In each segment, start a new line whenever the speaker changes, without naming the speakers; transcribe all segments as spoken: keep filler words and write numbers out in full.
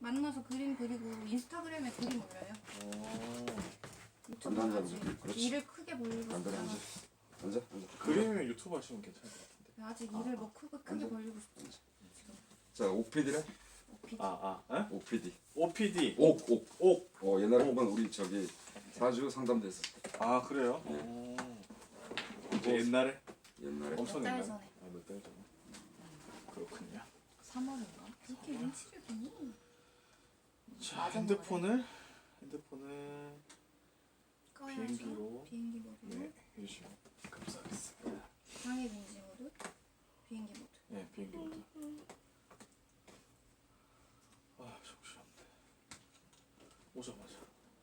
만나서 그림 그리고 인스타그램에 그림 올려요. 유튜브
앉아,
아직
앉아. 그렇지.
일을 크게 벌리고
앉아,
싶지 않아.
앉아. 앉아, 앉아.
그림이면 유튜브 하시면 괜찮을 것 같은데.
아직 일을 뭐 크게 크게
앉아.
벌리고 싶지 않아.
자, 옥피디래?
오피디.
아, 아, 에?
옥피디.
오피디.
옥, 옥.
옥.
어, 옛날에 보면 우리 저기 사주 상담됐을 때.
아, 그래요?
네.
오. 이제 옛날에?
옛날에.
엄청
몇 달
옛날에?
전에.
아, 몇 달 전에. 그렇군요.
삼월인가?
이렇게 눈치를 보니?
자,
맞아,
핸드폰을 핸드폰을
꺼야죠.
비행기로.
비행기 모드.
네, 해주시면 감사하겠습니다.
방해 금지 모드. 비행기 모드.
네, 비행기 모드. 아, 정신없네. 오자마자.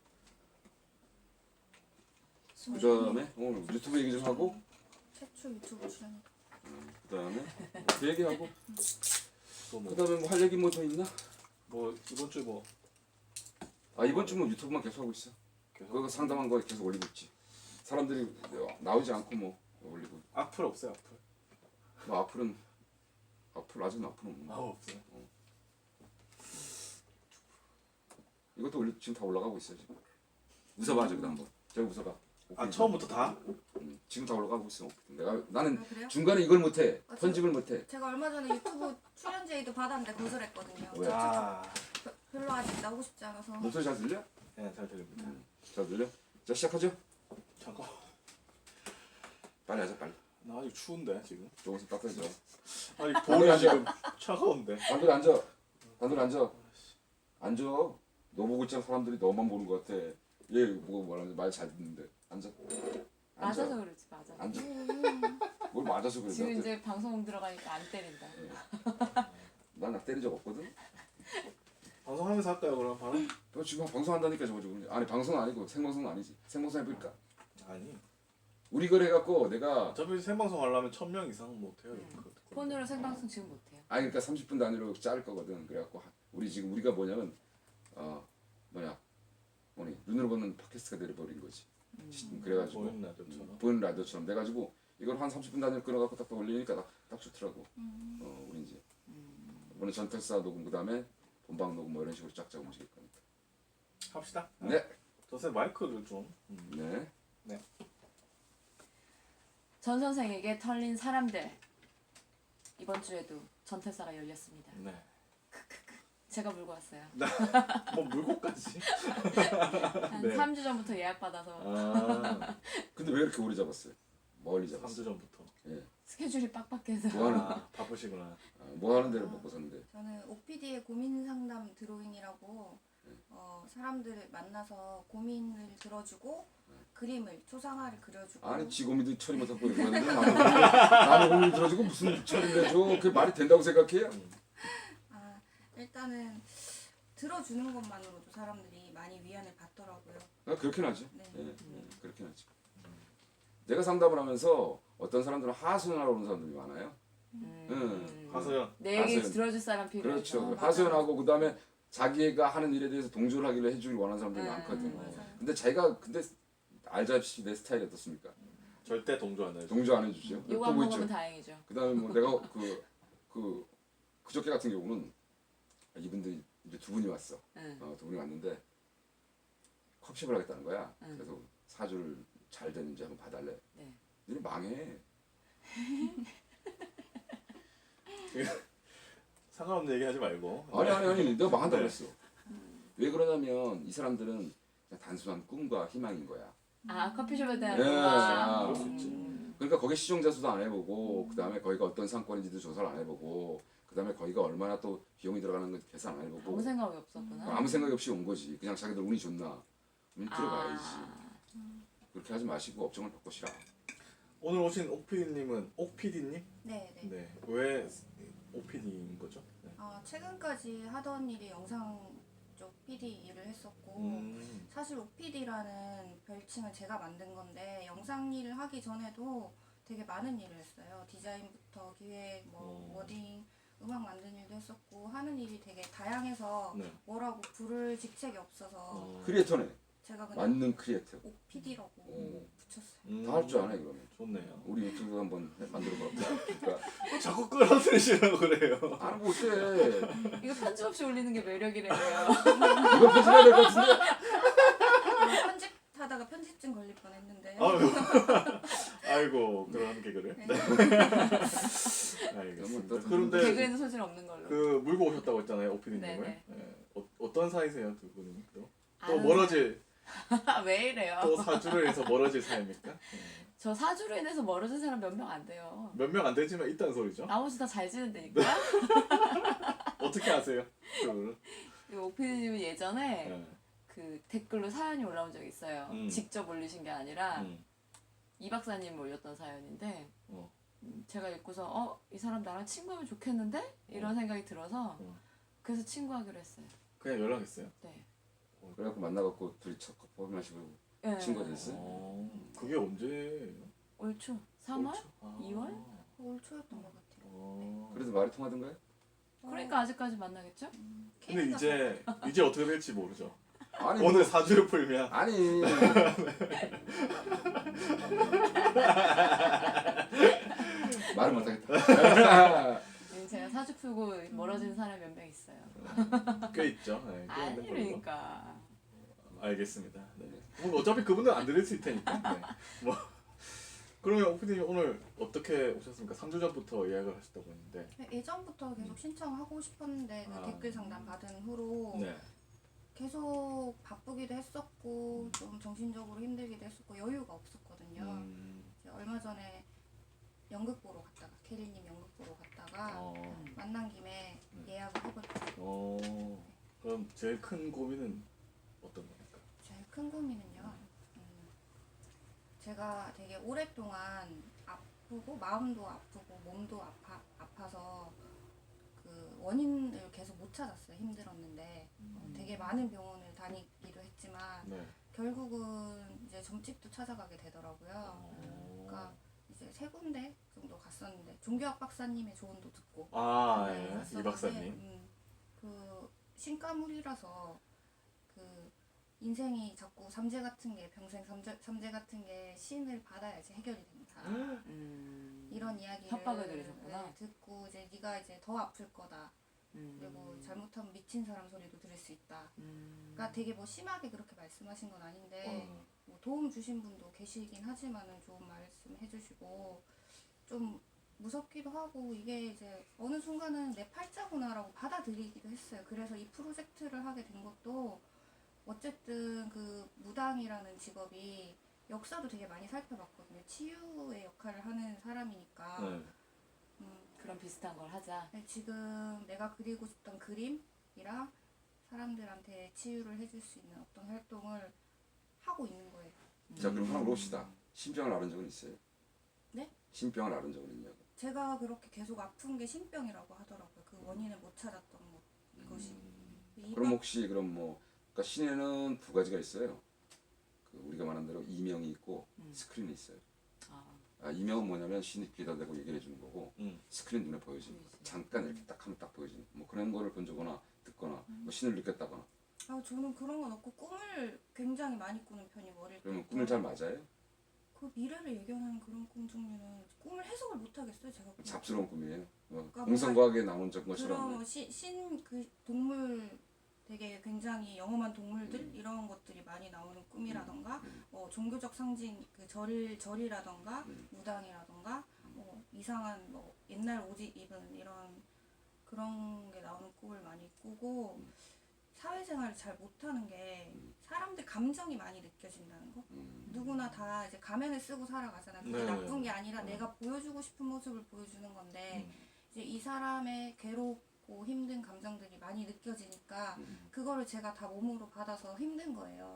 그 다음에 오늘 유튜브 얘기 좀 하고,
최초 유튜브 출연.
그 다음에 그 얘기하고,
또 뭐,
그 다음에 뭐 할 얘기 뭐 더 있나?
뭐 이번 주에 뭐
아, 이번 주 뭐 유튜브만 계속 하고 있어.
계속
그거 상담한 거 계속 올리고 있지. 사람들이 나오지 않고 뭐 올리고.
악플 없어요, 악플.
뭐 앞으로는 앞으로 아직은 앞으로는 없는
아,
거.
없어요.
이것도 올리, 지금 다 올라가고 있어 지금. 웃어봐 저기다 한번. 저기 웃어봐.
아, 처음부터 다?
응, 지금 다 올라가고 있어. 내가 나는
아 그래요?
중간에 이걸 못해.
아,
편집을 못해.
제가 얼마 전에 유튜브 출연 제의도 받았는데 거절했거든요.
왜?
저- 저-
아,
저- 별로 아직 나오고 싶지 않아서.
목소리 잘 들려?
네, 잘 들립니다.
잘 들려? 자 시작하죠.
잠깐,
빨리 하자 빨리.
나 아직 추운데 지금.
조금씩 따뜻해져.
아니
앉아.
볼이 지금 차가운데.
단둘이 앉아. 단둘이 앉아. 앉아. 너 보고 있잖아. 사람들이 너만 보는 것 같아. 얘 보고 뭐라는지 말 잘 듣는데. 앉아. 앉아.
맞아서 그렇지 맞아.
앉아.
음,
뭘 맞아서 그래.
지금
나한테.
이제 방송 들어가니까 안 때린다.
난나 때린 적 없거든.
방송하면서 할까요, 그럼 바로?
너 지금 방송한다니까 저거 지금. 아니 방송 아니고 생방송은 아니지. 생방송 해볼까?
아니,
우리 걸 해갖고 내가
어차피 생방송 하려면 천 명 이상 못 해요.
음.
그-
폰으로 생방송 지금 못해요.
아니 그러니까 삼십 분 단위로 자를 거거든. 그래갖고 하- 우리 지금 우리가 뭐냐면 어 뭐냐 뭐니 눈으로 보는 팟캐스트가 돼버린 거지.
음.
그래가지고
보이는 라디오처럼.
보이는 라디오처럼 돼가지고 이걸 한 삼십 분 단위로 끊어갖고 딱딱 올리니까 딱, 딱 좋더라고.
음.
어 우리 이제
음.
이번에 전태사 녹음 그다음에 본방 녹음 뭐 이런 식으로 짝짝 움직일 거니까.
합시다.
네.
저새 마이크를 좀. 음.
네.
전 선생에게 털린 사람들 이번 주에도 전태사가 열렸습니다.
네.
제가 물고 왔어요.
뭐 물고까지?
한
네.
삼 주 전부터 예약 받아서
아,
근데 왜 이렇게 오래 잡았어요? 멀리
삼
잡았어.
주 전부터.
예.
스케줄이 빡빡해서
뭐 하는
아, 바쁘시구나.
아, 뭐 하는 데를 먹고 샀는데.
저는 오피디의 고민 상담 드로잉이라고 어, 사람들을 만나서 고민을 들어주고 그림을 초상화를 그려주고
아니 지고민도 처리 못하고 그러고 하는데 나는 고민- 나는 고민 들어주고 무슨 처리를 해줘? 그게 말이 된다고 생각해요?
아, 일단은 들어주는 것만으로도 사람들이 많이 위안을 받더라고요.
아, 그렇긴 하지.
네.
예, 예, 그렇긴 하지. 내가 상담을 하면서 어떤 사람들은 하소연하러 오는 사람들이 많아요.
음.
하소연.
내 얘기
하소연.
들어줄 사람 필요해서
그렇죠.
맞아요.
하소연하고 그 다음에 자기가 하는 일에 대해서 동조를 하기를 해주길 원하는 사람들이
음,
많거든.
맞아요.
근데 자기가 근데 알다시피 내 스타일이 어떻습니까?
절대 동조 안 해요.
동조 안 해주죠.
이거
또
안
뭐
먹으면
있죠?
다행이죠.
그 다음에 뭐 내가 그, 그, 그저께 같은 경우는 이분들이 이제 두 분이 왔어.
응.
어, 두 분이 왔는데 컵십을 하겠다는 거야.
응.
그래서 사주를 잘 되는지 한번 봐달래.
네.
너네 망해.
상관없는 얘기 하지 말고.
아니 아니 아니 내가 망한다고
네.
그랬어. 왜 그러냐면 이 사람들은 그냥 단순한 꿈과 희망인 거야.
아 커피숍에 대한
예,
로망.
아,
그럴 수 있지.
음.
그러니까 거기 시종자 수도 안 해보고 그 다음에 거기가 어떤 상권인지도 조사를 안 해보고 그 다음에 거기가 얼마나 또 비용이 들어가는 건 계산 안 해보고
아무 생각이 없었구나.
아무 생각이 없이 온 거지. 그냥 자기들 운이 좋나. 운 들어가야지.
아.
그렇게 하지 마시고 업종을 바꾸시라.
오늘 오신 옥피디님은 옥피디님?
네, 네.
네. 왜 옥피디인 거죠? 네.
아, 최근까지 하던 일이 영상 쪽 피디 일을 했었고
음.
사실 오피디라는 별칭을 제가 만든 건데 영상 일을 하기 전에도 되게 많은 일을 했어요. 디자인부터 기획, 뭐
어.
워딩, 음악 만드는 일도 했었고 하는 일이 되게 다양해서
네.
뭐라고 부를 직책이 없어서
어.
크리에이터네.
제가 그냥
만능 크리에이터.
오피디라고
오.
붙였어요.
음,
다 할 줄 아네 그러면.
좋네요.
우리 유튜브 한번 해- 만들어봐. 그러니까
자꾸 끌어들이시라고 그래요.
안 하고 어때?
이거 편집 없이 올리는 게 매력이래요.
이거 편집해야 될 것 같은데?
편집하다가 편집증 걸릴 뻔했는데.
아유. 아이고 그런 개그를.
네.
네.
그러면
알겠습니다.
또
그런데
개그에는 소질 없는 걸로.
그 물고 오셨다고 했잖아요 오피디님을.
네네.
네. 어, 어떤 사이세요 두 분은 또? 또
아는
멀어질
사람. 왜 이래요?
또 사주를 해서 멀어질 사이입니까? 네.
저 사주로 인해서 멀어진 사람 몇 명 안 돼요.
몇 명 안 되지만 있다는 소리죠.
나머지 다 잘 지낸다니까.
어떻게 아세요? 그거를?
이 오피디님은 예전에
네.
그 댓글로 사연이 올라온 적이 있어요.
음.
직접 올리신 게 아니라
음.
이 박사님 올렸던 사연인데
어.
음, 제가 읽고서 어? 이 사람 나랑 친구하면 좋겠는데? 이런 생각이 들어서
어.
그래서 친구하기로 했어요.
그냥 연락했어요.
네.
그래갖고 만나갖고 둘이 첫 커피 마시고
네.
친구가 됐어요?
어. 그게 언제예요?
올 초. 삼월?
아.
이월?
올 초였던 것 같아요.
어.
그래도 말이 통하던가요?
그러니까 아직까지 만나겠죠?
근데 이제 이제 어떻게 될지 모르죠.
아니
오늘
뭐,
사주를 풀면
아니 말을 못하겠다.
네, 제가 사주 풀고 멀어진 사람 몇 명 있어요.
꽤 있죠. 네, 꽤 있는 걸로.
아니니까.
알겠습니다. 네. 뭐 어차피 그분은 안 들을 수 있을 테니까. 네. 뭐 그러면 오피디님 오늘 어떻게 오셨습니까? 삼 주 전부터 예약을 하셨다고 했는데.
예전부터 계속 신청하고 싶었는데 그
아.
댓글 상담 받은 후로
네.
계속 바쁘기도 했었고 좀 정신적으로 힘들기도 했었고 여유가 없었거든요.
음.
이제 얼마 전에 연극 보러 갔다가 캐리님 연극 보러 갔다가
어.
만난 김에
음.
예약을 해볼게요.
어. 그럼 제일 큰 고민은 어떤 겁니까?
제일 큰 고민은요. 음, 제가 되게 오랫동안 아프고 마음도 아프고 몸도 아파 아파서 그 원인을 계속 못 찾았어요. 힘들었는데 어, 되게 많은 병원을 다니기도 했지만
네.
결국은 이제 점집도 찾아가게 되더라고요.
어.
그러니까 이제 세 군데 정도 갔었는데 종교학 박사님의 조언도 듣고
아,
네,
예. 이
갔었는데,
박사님.
음, 그 신가물이라서 그 인생이 자꾸 삼재 같은 게 평생 삼재, 삼재 같은 게 신을 받아야지 해결이 된다.
음.
이런 이야기를
협박을 들으셨구나.
네, 듣고 이제 네가 이제 더 아플 거다.
음.
그리고 잘못하면 미친 사람 소리도 들을 수 있다.
음.
그러니까 되게 뭐 심하게 그렇게 말씀하신 건 아닌데
어.
뭐 도움 주신 분도 계시긴 하지만은 좋은 말씀 해주시고 좀 무섭기도 하고 이게 이제 어느 순간은 내 팔자구나라고 받아들이기도 했어요. 그래서 이 프로젝트를 하게 된 것도 어쨌든 그 무당이라는 직업이 역사도 되게 많이 살펴봤거든요. 치유의 역할을 하는 사람이니까
네.
음,
그런 비슷한 걸 하자.
네, 지금 내가 그리고 싶던 그림이랑 사람들한테 치유를 해줄 수 있는 어떤 활동을 하고 있는 거예요.
자 그럼 하나 물어봅시다. 신병을 앓은 적은 있어요?
네?
신병을 앓은 적은 있냐고.
제가 그렇게 계속 아픈 게 신병이라고 하더라고요. 그 원인을 못 찾았던 것, 것이. 이
그럼 혹시 그럼 뭐 그러니까 신에는 두 가지가 있어요. 그 우리가 말한 대로 이명이 있고
음.
스크린이 있어요.
아.
아, 이명은 뭐냐면 신이 귀에다 대고 얘기해 주는 거고
음.
스크린 눈에 보여지는 거.
보이지.
잠깐 이렇게 딱 하면 딱 보여지는 뭐 그런 거를 본 적거나 듣거나 뭐 신을 느꼈다거나
아, 저는 그런 건 없고 꿈을 굉장히 많이 꾸는 편이고 어릴 때.
그러면 꿈을 잘 맞아요?
그 미래를 예견하는 그런 꿈 종류는 꿈을 해석을 못 하겠어요. 제가 그냥.
잡스러운 꿈이에요. 뭐
그러니까
공상과학에 나온 적 것처럼
그런 신 그 동물 되게 굉장히 영험한 동물들
음.
이런 것들이 많이 나오는 꿈이라던가
음.
어, 종교적 상징 그 절 절이라던가
음.
무당이라던가 뭐 이상한 뭐 옛날 옷 입은 이런 그런 게 나오는 꿈을 많이 꾸고
음.
사회생활을 잘 못하는 게
음.
사람들 감정이 많이 느껴진다는 거.
음.
누구나 다 이제 가면을 쓰고 살아가잖아요. 그게
네.
나쁜 게 아니라
음.
내가 보여주고 싶은 모습을 보여주는 건데
음.
이제 이 사람의 괴롭고 힘든 감정들이 많이 느껴지니까
음.
그거를 제가 다 몸으로 받아서 힘든 거예요.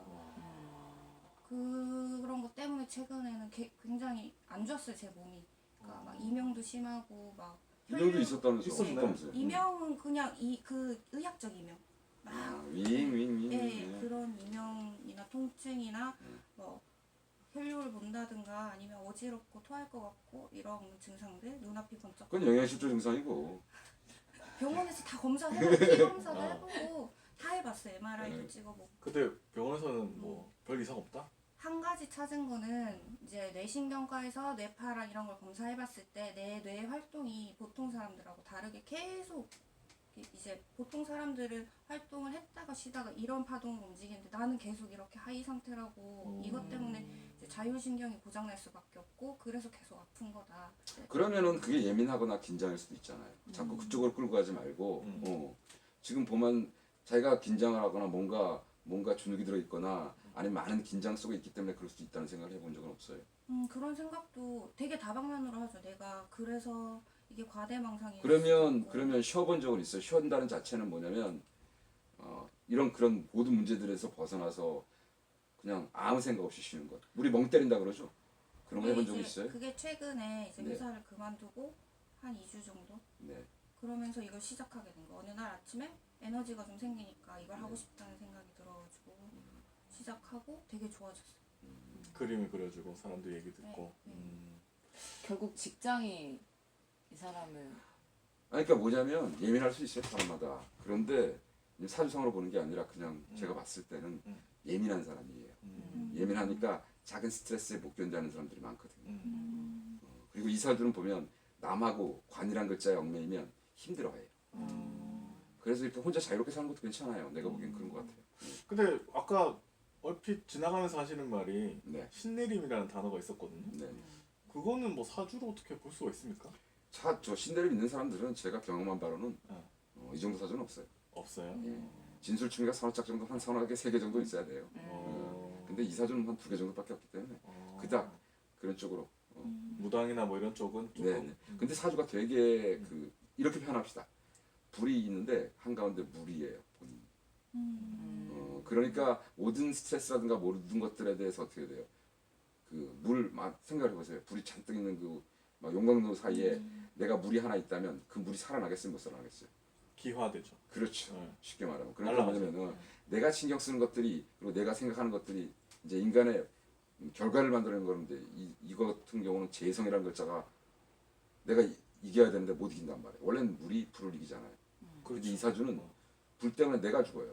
어.
그, 그런 것 때문에 최근에는 게, 굉장히 안 좋았어요, 제 몸이. 그러니까 막 이명도 심하고 막
이명도
혈류-
있었다면서
있었나요?
없다면서요?
이명은 그냥 이 그 의학적 이명. 막
아, 윙윙윙.
예, 그런 이명이나 통증이나
음.
뭐 혈류를 본다든가 아니면 어지럽고 토할 것 같고 이런 증상들, 눈앞이 번쩍.
그건 영양실조 증상이고.
병원에서 다 검사해보고 피 검사도
어.
해보고 다 해봤어요. 엠알아이도
네.
찍어보고.
근데 병원에서는 뭐 별 이상 없다?
한 가지 찾은 거는 이제 뇌신경과에서 뇌파랑 이런 걸 검사해봤을 때 내 뇌 활동이 보통 사람들하고 다르게 계속 이- 이제 보통 사람들은 활동을 했다가 쉬다가 이런 파동으로 움직이는데 나는 계속 이렇게 하이 상태라고 이것 때문에 이제 자율신경이 고장날 수밖에 없고 그래서 계속 아픈 거다.
그러면은 그게 예민하거나 긴장일 수도 있잖아요. 자꾸 그쪽으로 끌고 가지 말고
음.
어, 지금 보면 자기가 긴장을 하거나 뭔가 뭔가 주눅이 들어 있거나 아니면 많은 긴장 속에 있기 때문에 그럴 수도 있다는 생각을 해본 적은 없어요.
음 그런 생각도 되게 다방면으로 하죠. 내가 그래서 이게 과대망상이
그러면 그러면 쉬어본 적은 있어요. 쉬었다는 자체는 뭐냐면 어, 이런 그런 모든 문제들에서 벗어나서 그냥 아무 생각 없이 쉬는 것. 우리 멍 때린다 그러죠. 그런 거 해본 적 있어요?
그게 최근에 이제
네.
회사를 그만두고 한 이 주 정도
네.
그러면서 이걸 시작하게 된 거. 어느 날 아침에 에너지가 좀 생기니까 이걸
네.
하고 싶다는 생각이 들어가지고 시작하고 되게 좋아졌어요.
그림이 그려지고 사람들 얘기 듣고.
네, 네.
음.
결국 직장이 이 사람을
아니, 그러니까 뭐냐면 예민할 수 있어요 사람마다. 그런데 사주상으로 보는 게 아니라 그냥 제가 봤을 때는
음.
예민한 사람이에요.
음.
예민하니까 작은 스트레스에 못 견디는 사람들이 많거든요.
음.
어, 그리고 이 사주는 보면 남하고 관이란 글자에 얽매이면 힘들어해요.
음.
그래서 이렇게 혼자 자유롭게 사는 것도 괜찮아요. 내가 보기엔 그런 것 같아요.
근데 아까 얼핏 지나가면서 하시는 말이
네,
신내림이라는 단어가 있었거든요.
네.
그거는 뭐 사주로 어떻게 볼 수가 있습니까?
자, 저 신대를 믿는 사람들은 제가 경험한 바로는
네.
어, 이 정도 사주는 없어요.
없어요.
예. 진술충이가 서너 짝 정도 한 서너 개, 세 개 정도 있어야 돼요.
어.
근데 이 사주는 한 두 개 정도밖에 없기 때문에
어.
그닥 그런 쪽으로. 어.
무당이나 뭐 이런 쪽은 조금.
네, 네. 근데 사주가 되게 그 이렇게 표현합시다. 불이 있는데 한 가운데 물이에요. 본인.
음.
어, 그러니까 모든 스트레스라든가 모든 것들에 대해서 어떻게 돼요? 그 물 막 생각해 보세요. 불이 잔뜩 있는 그 막 용광로 사이에 내가 물이 하나 있다면 그 물이 살아나겠어요, 못 살아나겠어요?
기화되죠.
그렇죠.
네.
쉽게 말하면. 그러니까
날라가죠.
뭐냐면은 내가 신경 쓰는 것들이 그리고 내가 생각하는 것들이 이제 인간의 결과를 만들어내는 건데 이 이거 같은 경우는 재성이라는 글자가 내가 이, 이겨야 되는데 못 이긴단 말이에요. 원래는 물이 불을 이기잖아요. 그런데 이 사주는 불 때문에 내가 죽어요.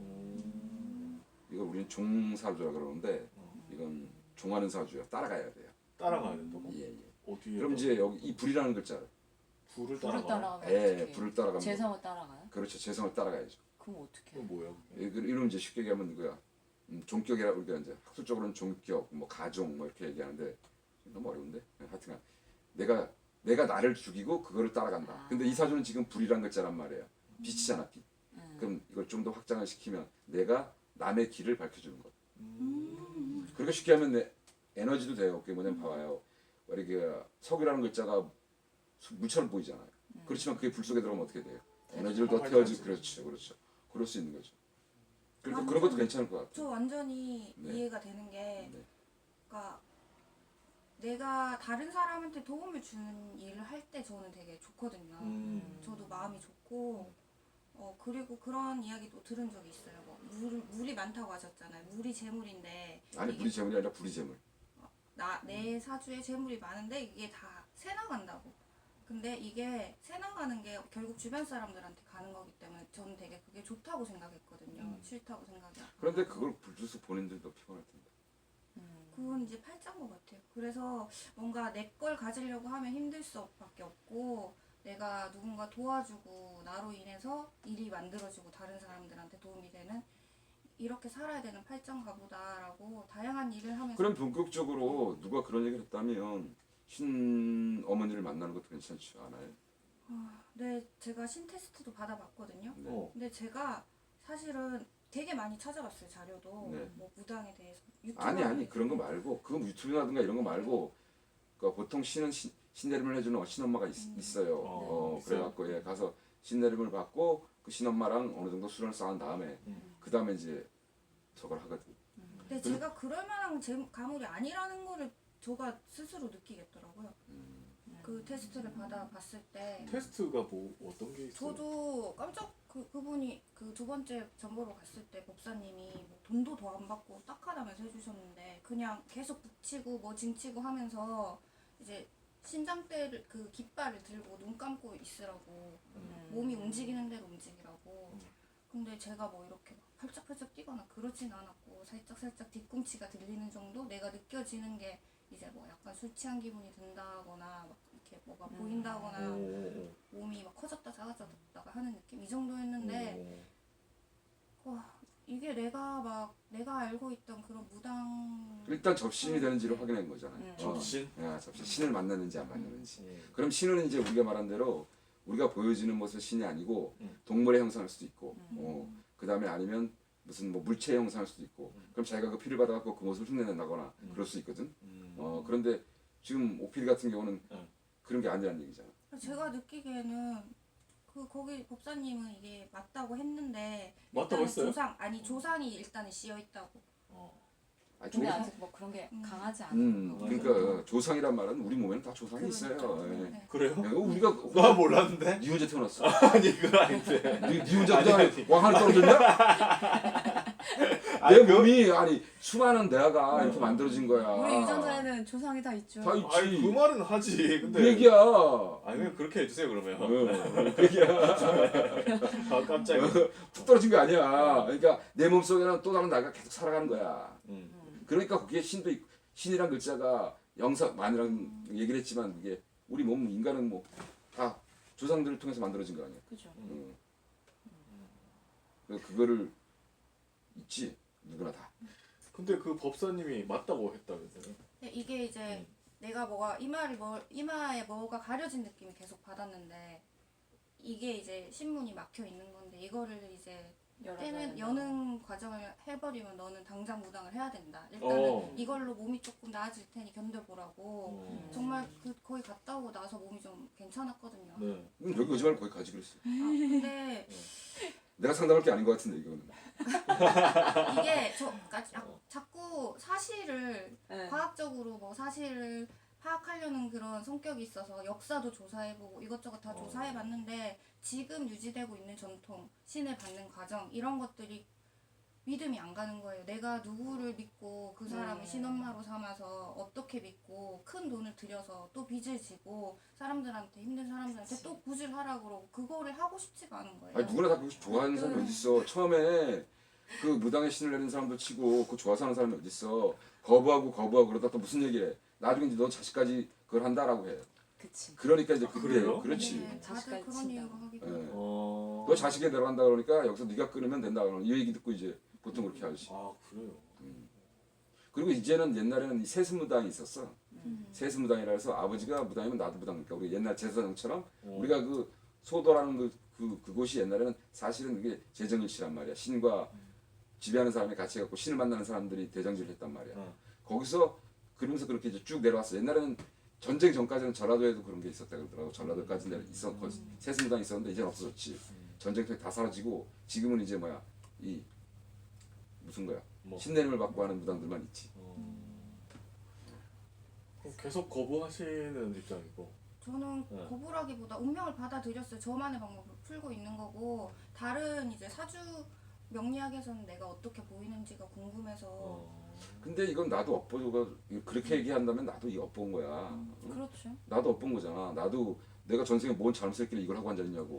음.
이걸 우리는 종사주라 그러는데 이건 종하는 사주예요. 따라가야 돼요.
따라가야 된다고?
예, 예.
어디에?
그럼 이제 여기 이 불이라는 글자를
불을
불을
따라가.
따라가면
예,
어떻게
불을 따라가면
재성을 따라가요?
그렇죠. 재성을 따라가야죠.
그럼 어떻게?
그건 뭐야?
예, 그- 이런 이제 쉽게 얘기하면 누구야? 음, 종격이라 우리가 이제 학술적으로는 종격, 뭐 가종 뭐 이렇게 얘기하는데 너무 어려운데 예, 하여튼간 내가 내가 나를 죽이고 그거를 따라간다.
아.
근데 이 사주는 지금 불이란 글자란 말이에요. 빛이잖아, 빛.
음.
그럼 이걸 좀 더 확장을 시키면 내가 남의 길을 밝혀주는 것.
음.
그렇게 쉽게 하면 내 에너지도 돼요. 그게 뭐냐면 봐봐요. 이렇게 석유라는 글자가 수- 물처럼 보이잖아요. 그렇지만 그게 불 속에 들어가면 어떻게 돼요? 에너지를 더 태워주. 그렇죠, 그렇죠. 그럴 수 있는 거죠. 그러니까 그런 것도 괜찮을 것
저
같아요.
완전히
네.
이해가 되는 게
네.
그러니까 내가 다른 사람한테 도움을 주는 일을 할 때 저는 되게 좋거든요.
음.
저도 마음이 좋고 어 그리고 그런 이야기도 들은 적이 있어요. 뭐 물, 물이 많다고 하셨잖아요. 물이 재물인데
아니
이게
불이 재물이 아니라 불이 재물.
나, 내 사주에 재물이 많은데 이게 다 새나간다고. 근데 이게 새나가는 게 결국 주변 사람들한테 가는 거기 때문에 저는 되게 그게 좋다고 생각했거든요.
음.
싫다고 생각이 안
그런데
하고.
그걸 불쑥 본인들도 피곤할 텐데.
음.
그건 이제 팔자인 것 같아요. 그래서 뭔가 내 걸 가지려고 하면 힘들 수밖에 없고 내가 누군가 도와주고 나로 인해서 일이 만들어지고 다른 사람들한테 도움이 되는 이렇게 살아야 되는 팔자인가 보다라고 다양한 일을 하면서
그럼 본격적으로 누가 그런 얘기를 했다면 신 어머니를 만나는 것도 괜찮지 않아요?
아, 네, 제가 신테스트도 받아봤거든요.
네.
어.
근데 제가 사실은 되게 많이 찾아봤어요. 자료도
네.
뭐 무당에 대해서 유튜브
아니 아니 그런 거 말고 그거 유튜브라든가 이런 거 말고 그러니까 보통 신은 신, 신내림을 해주는 신엄마가 있, 있어요.
어,
어,
있어요?
그래갖고 예, 가서 신내림을 받고 그 신엄마랑 어느 정도 수련을 쌓은 다음에
음.
그 다음에 이제 저걸 하거든.
근데 제가 그럴 만한 제 가물이 아니라는 거를 제가 스스로 느끼겠더라고요. 그 테스트를 받아봤을 때
테스트가 뭐 어떤 게 있어요?
저도 깜짝 그 그분이 그 두 번째 전보로 갔을 때 법사님이 뭐 돈도 더 안 받고 딱하다면서 해주셨는데 그냥 계속 북치고 뭐 징치고 하면서 이제 신장대를 그 깃발을 들고 눈 감고 있으라고
음.
몸이 움직이는 대로 움직이라고. 근데 제가 뭐 이렇게 막 팔짝팔짝 뛰거나 그러진 않았고 살짝 살짝 뒤꿈치가 들리는 정도 내가 느껴지는 게 이제 뭐 약간 술 취한 기분이 든다거나 막 이렇게 뭐가
음.
보인다거나
오,
몸이 막 커졌다 작아졌다가 하는 느낌 이 정도였는데
오.
와 이게 내가 막 내가 알고 있던 그런 무당
일단 접신이 되는지를 확인한 거잖아요.
음.
어.
접신?
야, 접신. 신을 만났는지 안 만났는지.
음.
그럼 신은 이제 우리가 말한 대로 우리가 보여지는 모습 신이 아니고
음.
동물의 형상일 수도 있고,
음.
어, 그 다음에 아니면 무슨 뭐 물체의 형상일 수도 있고,
음.
그럼 자기가 그 피를 받아갖고 그 모습을 흉내낸다거나
음.
그럴 수 있거든.
음.
어, 그런데 지금 오피디 같은 경우는
음.
그런 게 아니라는 얘기잖아.
제가 느끼기에는 그 거기 법사님은 이게 맞다고 했는데
맞다고
일단은
했어요?
조상 아니 조상이 일단은 씌여 있다고.
어.
아,
근데
조-
아직 뭐 그런 게
음.
강하지 않은
음,
거.
그러니까 조상이란 말은 우리 몸에는 다 조상이 있어요.
그러니까.
예.
네.
그래요?
야, 우리가
나 몰랐는데?
니 혼자 태어났어.
아니 그거 아닌데.
니, 니 혼자
아니,
그냥
아니.
왕 하늘 떨어졌냐?
아니,
내
그-
몸이 아니 수많은 대화가 이렇게 만들어진 거야.
우리 유전자에는 조상이 다 있죠.
다 있지.
아니 그 말은 하지. 근데
그 얘기야.
아니 그냥 그렇게 해주세요 그러면.
어, 그 얘기야.
아 깜짝이야.
툭 떨어진 거 아니야. 그러니까 내 몸속에는 또 다른 나가 계속 살아가는 거야.
음.
음.
그러니까 거기에 신도 있고 신이란 글자가 영상만이랑 얘기를 했지만 그게 우리 몸 인간은 뭐 다 조상들을 통해서 만들어진 거 아니야.
그죠.
응. 그래서 그거를 있지 누구나 다.
근데 그 법사님이 맞다고 했다면서요?
근데 이게 이제
음.
내가 뭐가 이마를 뭐 이마에 뭐가 가려진 느낌이 계속 받았는데 이게 이제 신문이 막혀 있는 건데 이거를 이제
열어줘야
떼는
된다.
여는 과정을 해버리면 너는 당장 무당을 해야 된다. 일단은
어.
이걸로 몸이 조금 나아질 테니 견뎌보라고.
어.
정말 그 거기 갔다 오고 나서 몸이 좀 괜찮았거든요.
네.
그럼 여기 오지 말고 거기 가지 그랬어.
아, 근데
내가 상담할 게 아닌 것 같은데 이거는.
이게 저 그러니까 자- 자꾸 사실을
네.
과학적으로 뭐 사실을 파악하려는 그런 성격이 있어서 역사도 조사해보고 이것저것 다
어.
조사해봤는데 지금 유지되고 있는 전통, 신을 받는 과정 이런 것들이 믿음이 안 가는 거예요. 내가 누구를 믿고 그 사람을
음.
신엄마로 삼아서 어떻게 믿고 큰 돈을 들여서 또 빚을 지고 사람들한테 힘든 사람들한테
그치.
또 구질 하라고 그러고 그거를 하고 싶지가 않은 거예요.
아니 누구나 다 그거 좋아하는 사람이 어디 있어. 처음에 그 무당의 신을 내는 사람도 치고 그 좋아서 하는 사람이 어디 있어. 거부하고 거부하고 그러다 또 무슨 얘기해. 나중에 이제 너 자식까지 그걸 한다라고 해.
그치.
그러니까 이제
아,
그때
그래요?
그렇지.
네, 다들
자식까지
그런
친다고.
이유로 하기도
예.
해요.
어.
너 자식에 들어간다 그러니까 여기서 네가 끊으면 된다 그러는 이 얘기 듣고 이제 보통 그렇게 하지.
아 그래요.
그리고 이제는 옛날에는 이 세습무당이 있었어.
음.
세습무당이라 해서 아버지가 무당이면 나도 무당이니까 우리 옛날 제사장처럼
어.
우리가 그 소도라는 그, 그 그곳이 옛날에는 사실은 그게 재정일치란 말이야. 신과 지배하는 사람이 같이 갖고 신을 만나는 사람들이 대장질을 했단 말이야.
어.
거기서 그러면서 그렇게 이제 쭉 내려왔어. 옛날에는 전쟁 전까지는 전라도에도 그런 게 있었다 그러더라고. 전라도까지 내려 있었 거 세습무당이 있었는데 이제는 없어졌지.
음.
전쟁터에 다 사라지고 지금은 이제 뭐야 이 무슨 거야
뭐.
신내림을 받고 하는 무당들만 있지.
어. 그럼 계속 거부하시는 입장이고.
저는
네.
거부라기보다 운명을 받아들였어요. 저만의 방법으로 풀고 있는 거고 다른 이제 사주 명리학에서는 내가 어떻게 보이는지가 궁금해서
어.
근데 이건 나도 엇보가 그렇게 얘기한다면 나도 이 엇본 거야. 응?
그렇죠.
나도 엇본 거잖아. 나도 내가 전생에 뭔 잘못했길래 이걸 하고 앉아있냐고.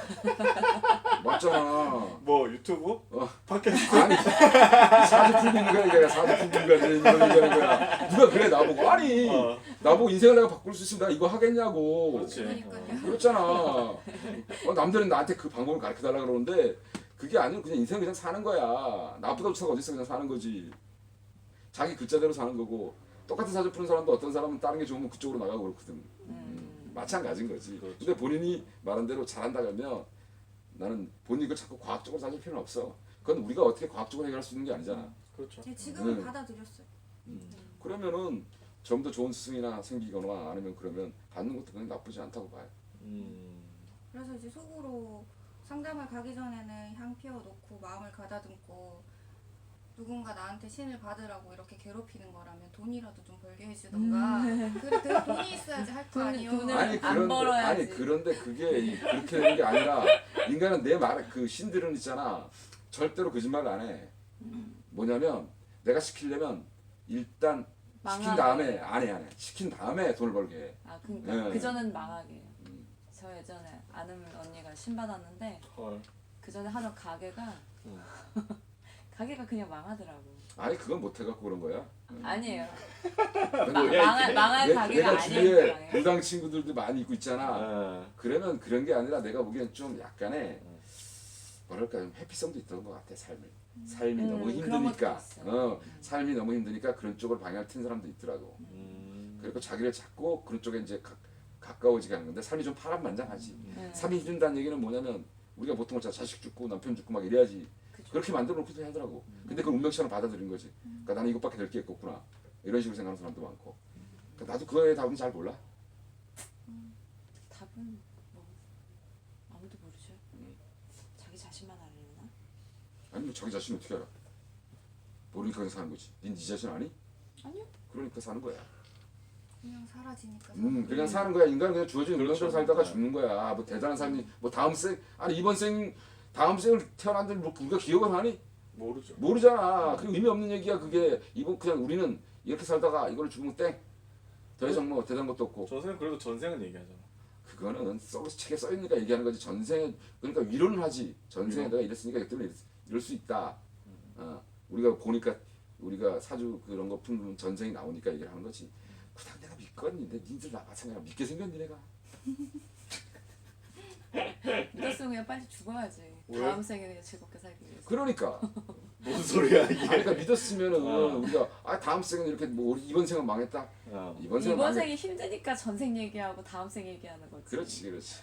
맞잖아.
뭐 유튜브?
어.
팟캐스트?
아니 사주 풀고 있는 거야 이게 사주 풀고 있는 거야 이런 얘기하는 거야. 누가 그래 나보고 아니
어.
나보고 인생을 내가 바꿀 수 있으면 내가 이거 하겠냐고.
그렇지.
그러니까요.
그렇잖아. 어, 남들은 나한테 그 방법을 가르쳐 달라 그러는데 그게 아니고 그냥 인생 그냥 사는 거야. 나보다 좋다가 어디 있어 그냥 사는 거지. 자기 글자대로 사는 거고 똑같은 사주 푸는 사람도 어떤 사람은 다른 게 좋으면 그쪽으로 나가고 그렇거든.
음.
마찬가지인 거지.
그렇죠.
근데 본인이 말한 대로 잘한다 그러면 나는 본인이 그걸 자꾸 과학적으로 따질 필요는 없어. 그건 우리가 어떻게 과학적으로 해결할 수 있는 게 아니잖아.
그렇죠.
네, 지금은
네.
받아들였어요.
그러면은 좀 더 좋은 스승이나 생기거나 아니면 그러면 받는 것도 그냥 나쁘지 않다고 봐요.
음.
그래서 이제 속으로 상담을 가기 전에는 향 피워놓고 마음을 가다듬고 누군가 나한테 신을 받으라고 이렇게 괴롭히는 거라면 돈이라도 좀 벌게 해주던가. 그래 내가 돈이 있어야지 할 거
돈-
아니에요.
돈을
아니
안
그런데
벌어야지.
아니 그런데 그게 이- 그렇게 되는 게 아니라 인간은 내 말 그 신들은 있잖아 절대로 거짓말을 안 해. 뭐냐면 내가 시키려면 일단 시킨
망하게.
다음에 안 해 안 해. 시킨 다음에 돈을 벌게 해.
아 그러니까
네.
그 전은 망하게.
음.
저 예전에 아는 언니가 신 받았는데
헐.
그 전에 하던 가게가
음.
가게가 그냥 망하더라고.
아니 그건 못 해갖고 그런 거야.
아니에요.
근데
마,
뭐야,
망할
이게?
망할
내,
가게가
내가
아니에요.
주위에
망해.
무당 친구들도 많이 있고 있잖아.
아,
그러면 그런 게 아니라 내가 보기엔 좀 약간의
음.
뭐랄까 좀 해피성도 있던 것 같아 삶이. 삶이
음,
너무
그런
힘드니까.
것도 있어.
어, 삶이 너무 힘드니까 그런 쪽을 방향을 튼 사람도 있더라고.
음.
그리고 자기를 찾고 그런 쪽에 이제 가, 가까워지게 하는 건데 삶이 좀 파란만장하지.
음.
삶이 힘든다는 얘기는 뭐냐면 우리가 보통 자 자식 죽고 남편 죽고 막 이래야지
그죠.
그렇게 만들어 놓고도 하더라고. 근데 그걸 운명처럼 받아들인 거지. 그러니까 나는 이것밖에 될 게 없구나. 이런 식으로 생각하는 사람도 많고. 그러니까 나도 그거에 답은 잘 몰라.
답은 뭐 아무도 모르죠.
음.
자기 자신만 알려나?
아니 뭐 자기 자신 어떻게 알아? 모르니까 그냥 사는 거지. 니, 니 자신 아니?
아니요.
그러니까 사는 거야.
그냥 사라지니까.
음, 그냥 사는 거야. 인간은 그냥 주어진
그렇죠.
운명대로 살다가
네.
죽는 거야. 뭐 대단한 사람이 뭐 다음 생 아니 이번 생 다음 생을 태어난들 뭐 우리가 기억을 하니?
모르죠.
모르잖아. 그 의미 없는 얘기야 그게. 이번 그냥 우리는 이렇게 살다가 이걸 죽으면 땡. 더 이상 뭐 대단한 것도 없고.
전생은 그래도 전생은 얘기하잖아.
그거는 써 책에 써 있으니까 얘기하는 거지. 전생에 그러니까 위로는 하지. 전생에
위로.
내가 이랬으니까 이때문에 이럴 수 있다. 어, 우리가 보니까 우리가 사주 그런 거 푸는 전생이 나오니까 얘기를 하는 거지. 그냥 내가 믿거니. 내 니들 나 마찬가지야. 믿게 생겼니 내가.
믿었으면 그냥 빨리 죽어야지.
왜?
다음 생에 그냥 즐겁게 살기 위해서.
그러니까.
뭔 소리야 이게?
아, 그러니까 믿었으면은
어.
우리가 아 다음 생은 이렇게 뭐 우리 이번 생은 망했다.
어.
이번 생은
이번
망했.
생이 힘드니까 전생 얘기하고 다음 생 얘기하는 거지.
그렇지 그렇지.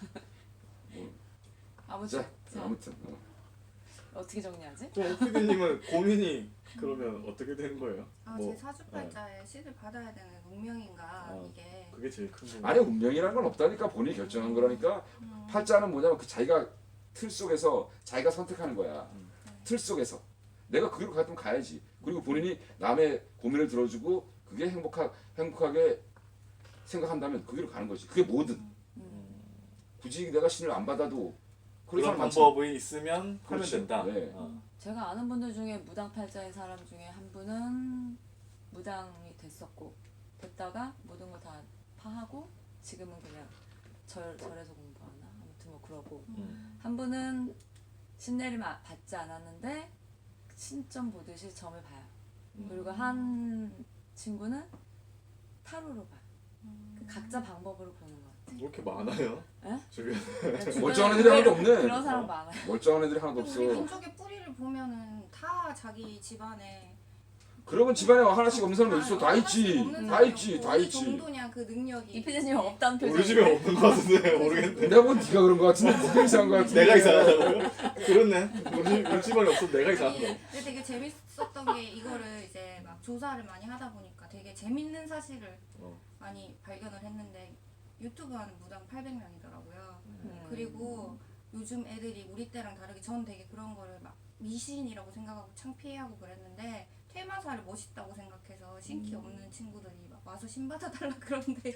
아무튼
자
자,
아무튼 어.
어떻게 정리하지?
그럼 오피디님은 고민이 그러면 어떻게 되는 거예요?
아,
뭐
제 사주팔자에 시를 받아야 되는 운명인가
어.
이게.
그게 제일 큰 고민.
아니 운명이라는 건 없다니까 본인이 결정한 거라니까.
음.
팔자는 뭐냐면 그 자기가 틀 속에서 자기가 선택하는 거야.
음.
틀 속에서 내가 거기로 갔으면 가야지. 그리고 본인이 남의 고민을 들어주고 그게 행복하 행복하게 생각한다면 거기로 가는 거지. 그게 뭐든
음.
굳이 내가 신을 안 받아도 그런
그런
사람 많잖아.
방법이 있으면 하면
그렇지.
된다.
네.
어.
제가 아는 분들 중에 무당팔자인 사람 중에 한 분은 무당이 됐었고 됐다가 모든 걸 다 파하고 지금은 그냥 절 절에서 공부하나 아무튼 뭐 그러고
음.
한 분은 신내림 아- 받지 않았는데 신점 보듯이 점을 봐요. 그리고 한 친구는 타로로 봐요. 그 각자 방법으로 보는 것 같아요.
뭐 이렇게 많아요?
에?
주변.
주변에
멀쩡한 애들이 하나도 없네.
그런 사람 많아요.
멀쩡한 애들이 하나도
근데
없어.
우리 민족의 뿌리를 보면은 다 자기 집안에
그러면 집안에 하나씩 없는 사람이 있어. 다
하나씩
있지.
없는
다
사람이
있지.
없고
다
어느
있지.
정도냐 그 능력이.
이 피디님 없다는 표정.
우리 집에 없는 것 같은데 모르겠네.
내가 본 네가 그런 거 같은데 네가 이상한 거 같은데.
내가 이상하다고요? 그렇네. 우리, 우리 집안에 없어도 내가 이상한
아니,
거.
근데 되게 재밌었던 게 이거를 이제 막 조사를 많이 하다 보니까 되게 재밌는 사실을
어.
많이 발견을 했는데 유튜브 하는 무당 팔백 명이더라고요.
음.
그리고 요즘 애들이 우리 때랑 다르게 전 되게 그런 거를 막 미신이라고 생각하고 창피해하고 그랬는데 퇴마사를 멋있다고 생각해서 신기 없는 친구들이 막 와서 신 받아달라 그런대요.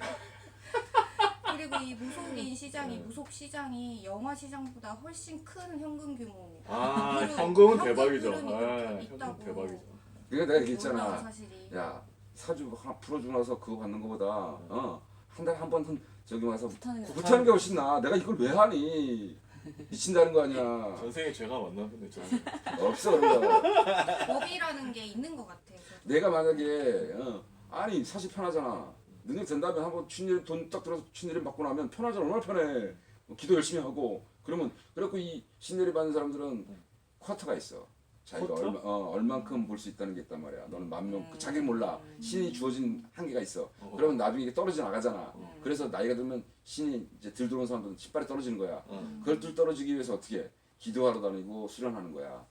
그리고 이 무속인 시장이 무속 시장이 영화 시장보다 훨씬 큰 현금 규모.
아,
그리고
현금은
현금
대박이죠.
흐름이
아,
그렇게
현금
있다고.
대박이죠.
그러니까 내가
놀라운
얘기했잖아.
사실이.
야 사주 하나 풀어주고 나서 그거 받는 거보다 어, 한 달에 한 번 저기 와서
못하는 게
못하는 게 훨씬 나. 내가 이걸 왜 하니? 미친다는 거 아니야.
전생에 죄가 많나 보네. 전생.
없어 그런 거.
법이라는 게 있는 것 같아요. 저도.
내가 만약에 어, 아니 사실 편하잖아. 능력 된다면 한번 춘일 돈딱 들어서 춘일을 받고 나면 편하잖아. 얼마나 편해. 뭐 기도 열심히 하고 그러면 그래갖고 이 신내리 받는 사람들은 쿼터가 있어. 자기가
쿼터?
얼마 어, 얼만큼 볼 수 있다는 게 있단 말이야. 너는 만 명,
음.
자기 몰라. 신이 주어진 한계가 있어.
어.
그러면 나중에 이게 떨어져 나가잖아.
음.
그래서 나이가 들면 신이 이제 들 들어온 사람들은 신발이 떨어지는 거야.
어.
그걸 들 떨어지기 위해서 어떻게 해? 기도하러 다니고 수련하는 거야.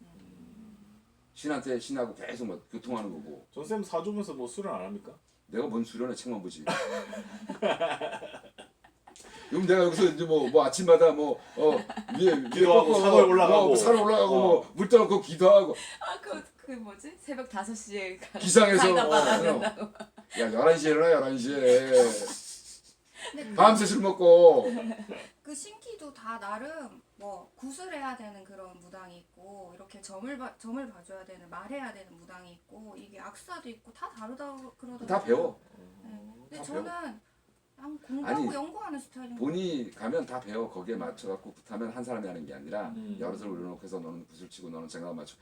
신한테 신하고 계속 뭐 교통하는 거고.
전생 사주면서 뭐 수련 안 합니까?
내가 뭔 수련회 책만 보지. 그럼 내가 여기서 이제 뭐, 뭐 아침마다 뭐 어, 위에 위에
기도하고
꺾고
산을 올라가고.
뭐, 산을 올라가고
어.
뭐물 떠놓고 기도하고
아그 그 뭐지? 새벽 다섯 시에
기상해서
사이다
어,
받아야
어.
된다고.
야 열한 시에 일어나 열한 시에
근데 그-
밤새 술 먹고
그 신기도 다 나름 뭐 구슬해야 되는 그런 무당이 있고 이렇게 점을 봐 점을 봐줘야 되는 말해야 되는 무당이 있고 이게 악사도 있고 다 다르다 그러더라고요.
다 배워.
네. 근데
다
저는 그냥 공부하고
아니,
연구하는 스타일인 거.
본인이 가면 다 배워. 거기에 맞춰갖고 굿하면 한 사람이 하는 게 아니라
음.
여러 사람을 올려놓고 해서 너는 굿을 치고 너는 장갑 맞추고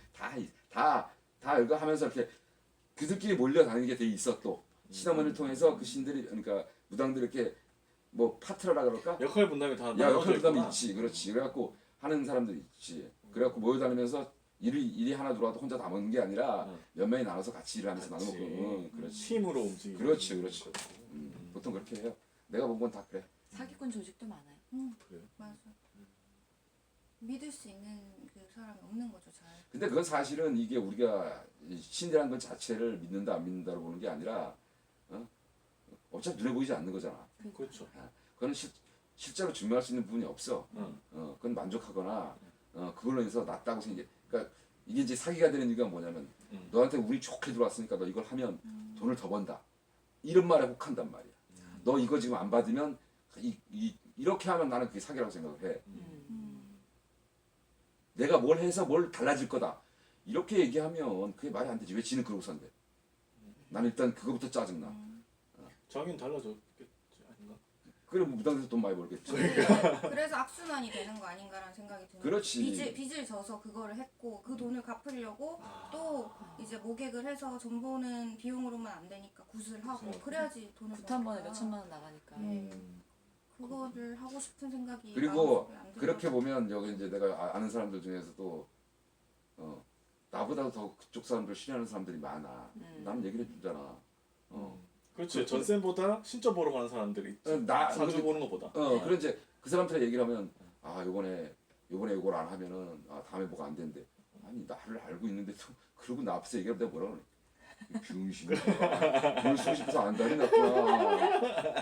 다다다 이거 하면서 이렇게 그들끼리 몰려다니는 게 되게 있어. 또 시나몬을 통해서 그 신들이 그러니까 무당들이 이렇게 뭐 파트너라 그럴까?
역할 분담이 다
야
나눠져
역할 부담이
있구나.
있지. 그렇지. 그래갖고 하는 사람들이 있지. 그래갖고 모여다니면서 일이 일이 하나 들어와도 혼자 다 먹는 게 아니라
응.
몇 명이 나눠서 같이 일을 하면서 나눠
같이.
먹고. 응, 그렇지.
팀으로 움직이는.
그렇지, 그렇지. 음, 보통 그렇게 해요. 내가 본 건 다 그래.
사기꾼 조직도 많아요.
응,
그래요?
맞아. 믿을 수 있는 그 사람이 없는 거죠, 잘.
근데 그건 사실은 이게 우리가 이 신이라는 것 자체를 믿는다 안 믿는다로 보는 게 아니라 어? 어차피 눈에 보이지 않는 거잖아.
그렇죠.
그거는 실, 실제로 증명할 수 있는 부분이 없어.
응.
어, 그건 만족하거나 어, 그걸로 인해서 낫다고 생각. 그러니까 이게 이제 사기가 되는 이유가 뭐냐면
음.
너한테 운이 좋게 들어왔으니까 너 이걸 하면 돈을 더 번다. 이런 말에 혹한단 말이야. 너 이거 지금 안 받으면 이, 이, 이렇게 하면 나는 그게 사기라고 생각을 해.
음.
내가 뭘 해서 뭘 달라질 거다. 이렇게 얘기하면 그게 말이 안 되지. 왜 지는 그러고 산대. 난 일단 그거부터 짜증나.
음.
자기는 달라졌겠지 아닌가?
그래 뭐 무당에서 돈 많이 벌겠지.
그래서 악순환이 되는 거 아닌가라는 생각이 드는
그렇지.
빚을, 빚을 져서 그거를 했고 그 돈을 갚으려고 또 이제 모객을 해서 전 보는 비용으로만 안 되니까 굿을 하고
그렇죠.
그래야지 돈을
굿 한 번에
버니까.
몇 천만 원 나가니까.
네.
음.
그거를 하고 싶은 생각이
그리고
마음속에 안 들어서.
그렇게 보면 여기 이제 내가 아- 아는 사람들 중에서도 어, 나보다 더 그쪽 사람들 신뢰하는 사람들이 많아.
음.
나는 얘기를 해주잖아. 어,
그렇지.
그렇지.
전쌤보다 신점 보러 가는 사람들이 있지.
어, 나
사주
근데-
보는 것보다.
어, 그런 이제 그 사람들한테 얘기를 하면 아 요번에 요번에 이걸 안 하면은 아 다음에 뭐가 안 된대. 아니 나를 알고 있는데 또 그러고 나 앞에서 얘기하면 내가 뭐라 그래? 병신이야. 뭘 쓰고 싶어서 안다니 나구나.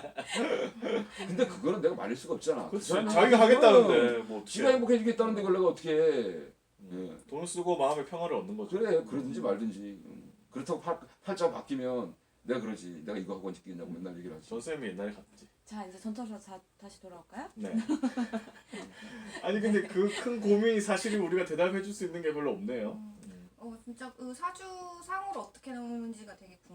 근데 그거는 내가 말릴 수가 없잖아. 그
그렇지.
사람이
자기가 하겠다는데 뭐
지가
어떻게?
행복해지겠다는데 그걸 내가 어떻게 해. 예.
돈을 쓰고 마음의 평화를 얻는 거죠.
그래 그러든지 말든지. 음. 그렇다고 팔, 팔자가 바뀌면 내가 그러지. 내가 이거 하고 언제 끼겠냐고 맨날 얘기를 하지.
전쌤이 옛날에 갔지.
자 이제 전터로 자, 다시 돌아올까요?
네. 아니 근데 그 큰 고민이 사실이 우리가 대답해 줄 수 있는 게 별로 없네요.
어 진짜 그 사주상으로 어떻게 나오는지가 되게